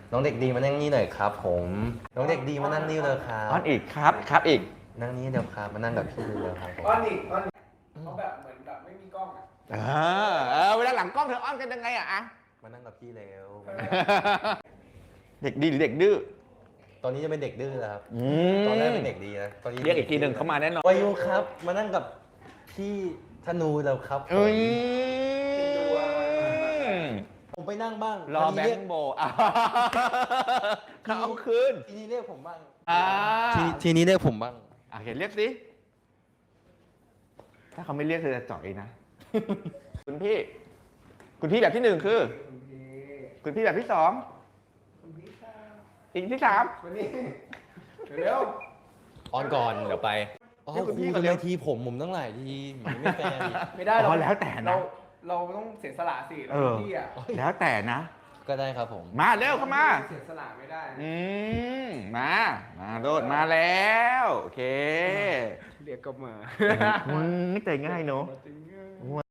น้องเด็กดีมานั่งนี่หน่อยครับผมน้องเด็กดีมานั่งนี่เลยครัอ้อบ นอีกครับอีกนั่งนี่เดี๋ยวครับมานั่งกับพี่เลยครับผมอ้อนอีกเขาแบบเหมือนแบบไม่มีกล้องอ่ะเวลาหลังกล้องเธออ้อนกันยังไงอะมานั่งกับพี่แล้วเด็กดีหรือเด็กดื้อตอนนี้จะเป็นเด็กดื้อแล้วครับมตอนแรกเป็นเด็กดีนะตอนนี้เรียกอีกทีหนึ่งเข้ามาแน่นอนวายุครับ มานั่งกับพี่ธนูแล้วครับผมเอ้ยผมไปนั่งบ้างรอทีแบนี้งค์โบเขาเอาคืนทีนี้เรียกผมบ้างอ่าทีนี้เรียกผมบ้างเห็นเรียกสิถ้าเขาไม่เรียกเธอจะจ่อยนะ คุณพี่แบบที่หนึ่งคือ คุณพี่แบบที่สองอีกที่สามวันนี้เร็วออนก่อนเดี๋ยวไปอ๋อนี่คุคุณพี่ณก่อนทำเร็ไมวทีผมตั้งหลายทีไม่แฟร์ดิไม่ได้อ๋อแล้วแต่นะเราต้องเสียสละสิเออพี่อ่ะแล้วแต่นะก็ได้ครับผมมาเร็วเข้ามาเสียสละไม่ได้มาโดดมาแล้ว โอเคเรียกก็มาไม่ใจง่ายเนอะจริง